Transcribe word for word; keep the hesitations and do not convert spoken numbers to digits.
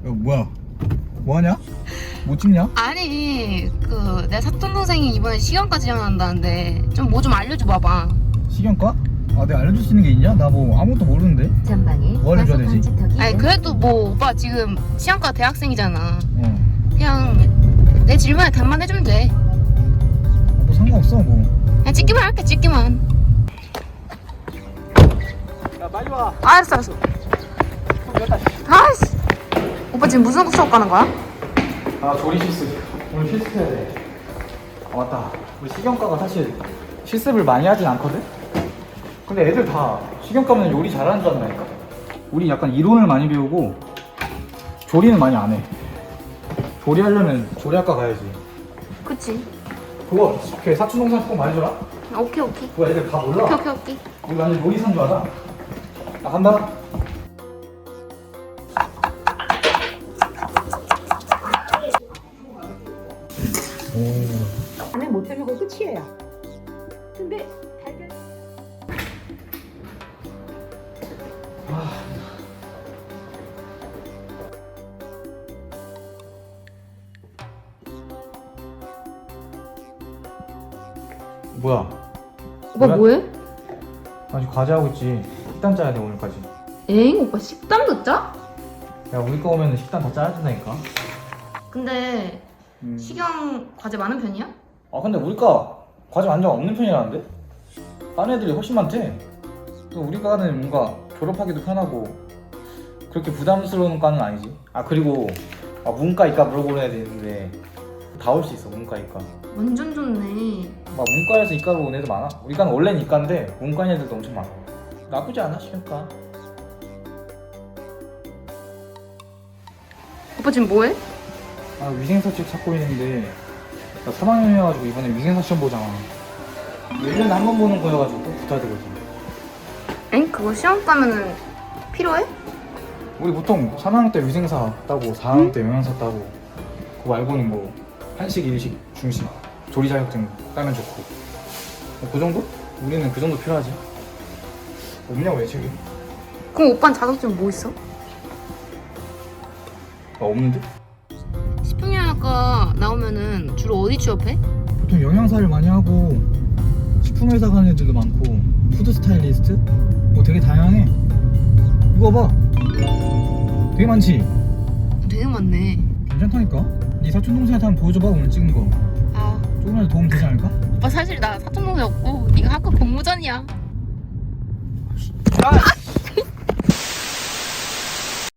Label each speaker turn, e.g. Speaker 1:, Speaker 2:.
Speaker 1: 뭐야? 뭐하냐? 뭐 찍냐?
Speaker 2: 아니 그 내 사촌 동생이 이번에 시간과 지원한다는데 좀 뭐 좀 알려줘 봐봐.
Speaker 1: 시경과? 아 내가 알려줄 수 있는 게 있냐? 나 뭐 아무것도 모르는데.
Speaker 3: 전방에
Speaker 1: 뭐 알려줘야 되지?
Speaker 2: 아니 그래도 뭐 오빠 지금 시간과 대학생이잖아.
Speaker 1: 어.
Speaker 2: 그냥 내 질문에 답만 해주면 돼.
Speaker 1: 아, 뭐 상관없어 뭐.
Speaker 2: 그냥 찍기만 할게 찍기만.
Speaker 1: 야 빨리 와.
Speaker 2: 아, 알았어 알았어. 아이씨. 오빠 지금 무슨 수업 가는 거야?
Speaker 1: 아 조리 실습. 오늘 실습해야 돼. 아 맞다. 우리 시경과가 사실 실습을 많이 하진 않거든? 근데 애들 다 시경과면 요리 잘하는 줄 안다니까? 우리 약간 이론을 많이 배우고 조리는 많이 안 해. 조리하려면 조리학과 가야지.
Speaker 2: 그치.
Speaker 1: 그거 걔 사촌 동생 꼭 말해줘라.
Speaker 2: 오케이 오케이.
Speaker 1: 그거 애들 다 몰라.
Speaker 2: 오케이 오케이 오케이.
Speaker 1: 우리 완전 요리사인 줄 알아. 나 간다. 오.
Speaker 3: 안에 못 해먹고 끝이에요. 근데 달걀
Speaker 1: 뭐야?
Speaker 2: 오빠
Speaker 1: 뭐야?
Speaker 2: 뭐해?
Speaker 1: 아직 과제하고 있지. 식단 짜야 돼 오늘까지.
Speaker 2: 엥? 오빠 식단도 짜?
Speaker 1: 야 우리 거 오면 식단 다 짜야 된다니까.
Speaker 2: 근데
Speaker 1: 음.
Speaker 2: 시경 과제 많은 편이야?
Speaker 1: 아 근데 우리 과 과제 완전 없는 편이라는데? 딴 애들이 훨씬 많대. 또 우리 과는 뭔가 졸업하기도 편하고 그렇게 부담스러운 과는 아니지. 아 그리고 아, 문과 이과 물어보는 애들 있는데 다 올 수 있어 문과 이과.
Speaker 2: 완전 좋네.
Speaker 1: 막 문과에서 이과로 온 애들 많아. 우리 과는 원래는 이과인데 문과인 애들도 엄청 많아. 나쁘지 않아 시경과.
Speaker 2: 오빠 지금 뭐해?
Speaker 1: 아 위생사 책 찾고 있는데 나 삼 학년이어가지고 이번에 위생사 시험 보잖아. 일 년에 한 번 보는 거여가지고 꼭 붙어야 되거든.
Speaker 2: 엥? 그거 시험 따면은 필요해?
Speaker 1: 우리 보통 삼 학년 때 위생사 따고 사 학년 때 영양사 따고 그거 말고는 뭐 한식, 일식, 중식, 조리 자격증 따면 좋고 뭐그 정도? 우리는 그 정도 필요하지. 없냐고 왜 책이?
Speaker 2: 그럼 오빠는 자격증 뭐 있어?
Speaker 1: 아 없는데?
Speaker 2: 식품영양과 나오면은 주로 어디 취업해?
Speaker 1: 보통 영양사를 많이 하고 식품회사 가는 애들도 많고 푸드 스타일리스트? 뭐 되게 다양해. 이거 봐 되게 많지?
Speaker 2: 되게 많네.
Speaker 1: 괜찮다니까? 네 사촌 동생한테 한번 보여줘봐 오늘 찍은 거.
Speaker 2: 아
Speaker 1: 조금이라도 도움 되지 않을까?
Speaker 2: 오빠 사실 나 사촌 동생 없고 네가 학교 공모전이야.
Speaker 1: 아!